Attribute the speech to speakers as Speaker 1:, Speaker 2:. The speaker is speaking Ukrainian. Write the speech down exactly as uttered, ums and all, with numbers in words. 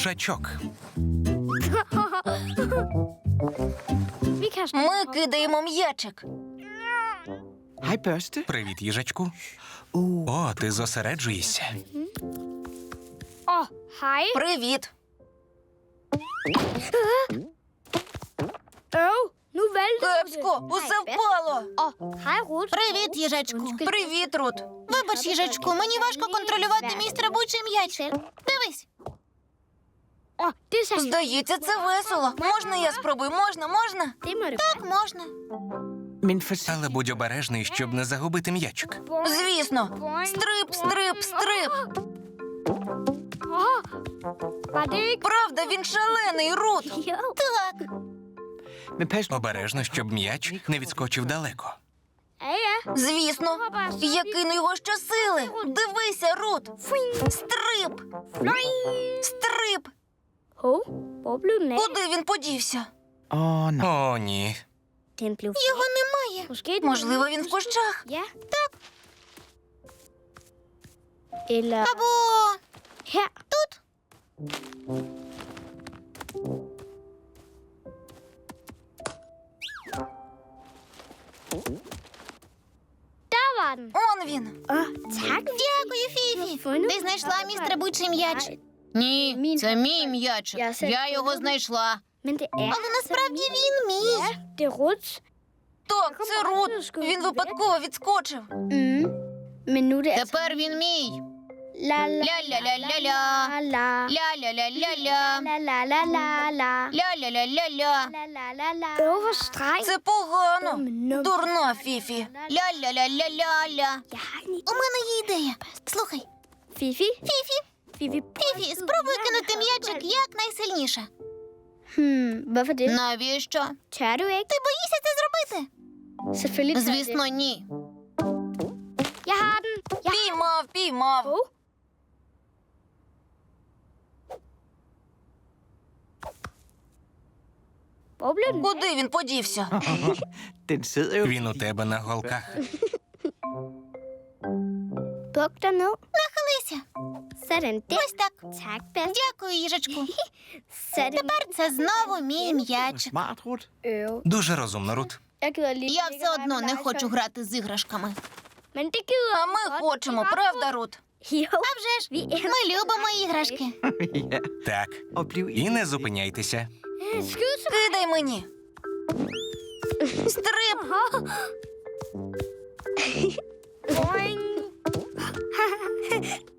Speaker 1: Їжачок.
Speaker 2: Ми кидаємо м'ячик.
Speaker 3: Hej, børste.
Speaker 1: Привіт, їжачку.
Speaker 3: Uh,
Speaker 1: О, ти зосереджуєшся.
Speaker 4: Åh, hej.
Speaker 2: Привіт.
Speaker 4: Øv, nu vælter du
Speaker 2: Кепсько,
Speaker 4: det.
Speaker 2: усе впало.
Speaker 4: Åh, hej, Ruth.
Speaker 2: Привіт, їжачку.
Speaker 4: Undskyld.
Speaker 2: Привіт, Рут. Вибач, їжачку, мені важко контролювати мій стрибучий м'яч. Дивись.
Speaker 4: Åh, det er så...
Speaker 2: Здається, це весело. Можна я спробую? Можна, можна?
Speaker 4: Det må det
Speaker 2: Так, можна.
Speaker 3: men forsigtigt.
Speaker 1: Але будь обережний, щоб не загубити м'ячик.
Speaker 2: Звісно. Стрип, стрип, стрип.
Speaker 4: Åh, var det ikke...
Speaker 2: Правда, він шалений, Рут.
Speaker 4: Jo.
Speaker 2: Так.
Speaker 3: Men pas nu.
Speaker 1: Обережно, щоб м'яч не відскочив далеко.
Speaker 4: Ja, ja.
Speaker 2: Звісно. Я кину його щосили. Дивися, Рут. Стрип. Стрип.
Speaker 4: Hov, hvor blev den af?
Speaker 2: Куди він подівся?
Speaker 3: Åh, nej.
Speaker 1: О, ні.
Speaker 4: Den blev...
Speaker 2: Його немає.
Speaker 4: Måske den...
Speaker 2: Можливо, він в кущах.
Speaker 4: Ja. Tak. Eller
Speaker 2: Або
Speaker 4: her.
Speaker 2: тут.
Speaker 4: Der var den.
Speaker 2: Он він.
Speaker 4: Åh, tak.
Speaker 2: Дякую, Фіфі.
Speaker 4: Fundet
Speaker 2: Ти знайшла мій стрибучий м'яч?
Speaker 4: Nej,
Speaker 2: Ні, це мій м'яч.
Speaker 4: Я все
Speaker 2: Я його
Speaker 4: fundet.
Speaker 2: знайшла.
Speaker 4: men det er...
Speaker 2: Але насправді він мій.
Speaker 4: Ja, det er Ruths.
Speaker 2: Так, це Рут. Він випадково відскочив.
Speaker 4: Mm. Men nu er det altså...
Speaker 2: Тепер він мій.
Speaker 4: La la
Speaker 2: Ля-ля-ля-ля-ля.
Speaker 4: la.
Speaker 2: Ля-ля-ля-ля-ля.
Speaker 4: La la la la la.
Speaker 2: Ля-ля-ля-ля-ля.
Speaker 4: La la la la. Øv, hvor streng.
Speaker 2: Це погано.
Speaker 4: Нum.
Speaker 2: Дурна, Фіфі. Ля-ля-ля-ля-ля-ля.
Speaker 4: Jeg har en
Speaker 2: У мене є ідея. Слухай,
Speaker 4: Fifi.
Speaker 2: Фіфі,
Speaker 4: Fifi.
Speaker 2: Фіфі, спробуй кинути м'ячик якнайсильніше.
Speaker 4: Hmm, hvorfor det?
Speaker 2: Навіщо?
Speaker 4: Tør du ikke?
Speaker 2: Ти боїшся це зробити?
Speaker 4: Selvfølgelig tør jeg
Speaker 2: Звісно,
Speaker 4: det.
Speaker 2: ні.
Speaker 4: Jeg har den. Jeg har
Speaker 2: Піймав, піймав.
Speaker 4: Hov. Hvor blev den?
Speaker 2: Куди він подівся?
Speaker 3: Den sidder jo.
Speaker 1: Він у тебе на голках.
Speaker 4: Buk dig ned.
Speaker 2: Нахилися.
Speaker 4: Sådan der.
Speaker 2: Ось так.
Speaker 4: Tak, Bas.
Speaker 2: Дякую, їжачку.
Speaker 4: Sådan.
Speaker 2: Тепер це знову мій м'яч.
Speaker 3: Smart, Rut.
Speaker 4: Øv.
Speaker 1: Дуже розумно, Рут.
Speaker 4: Jeg gider lige
Speaker 2: Я
Speaker 4: ikke
Speaker 2: все одно
Speaker 4: rette
Speaker 2: не
Speaker 4: legetøj.
Speaker 2: хочу грати з іграшками.
Speaker 4: Men det gider
Speaker 2: А
Speaker 4: vi
Speaker 2: ми
Speaker 4: godt.
Speaker 2: хочемо,
Speaker 4: Det er ret
Speaker 2: правда, Рут?
Speaker 4: Jo.
Speaker 2: А вже ж,
Speaker 4: Vi elsker
Speaker 2: ми любимо іграшки.
Speaker 3: Ja.
Speaker 1: Так.
Speaker 3: Og bliv
Speaker 1: І не зупиняйтеся.
Speaker 4: Skyd så.
Speaker 2: Кидай мені. Стрип.
Speaker 4: Boing.